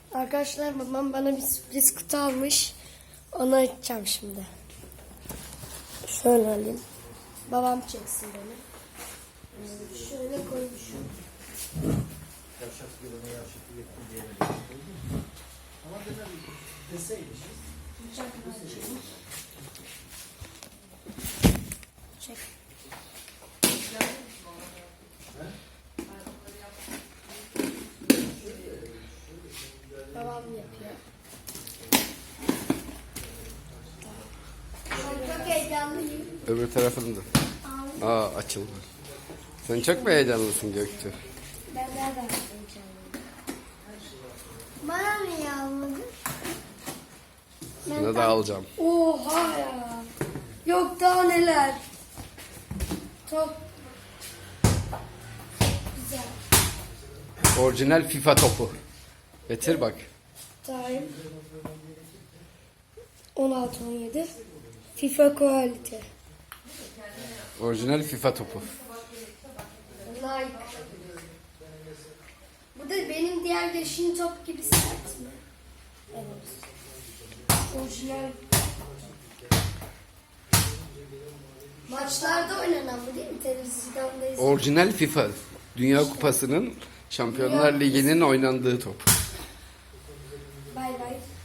Arkadaşlar babam bana bir sürpriz kutu almış. Onu açacağım şimdi. Şöyle alayım. Babam çeksin beni. Şöyle koymuşum. Çek. Babam yapıyor. Çok heyecanlıyım. Öbür tarafını da. Açıldı. Sen çok mu heyecanlısın Göktuğ? Ben nereden heyecanlıyım? Bana niye almadın? Sana da alacağım. Oha ya. Yok daha neler. Çok güzel. Orijinal FIFA topu. Getir bak. Time 16-17 FIFA Quality. Orijinal FIFA topu. Like. Bu da benim diğer yaşın top gibi sert mi? Evet. Orijinal. Maçlarda oynanan bu değil mi? Televizyonda izliyorum. Orijinal FIFA. Dünya Kupası'nın Şampiyonlar Ligi'nin oynandığı top. Bay bay.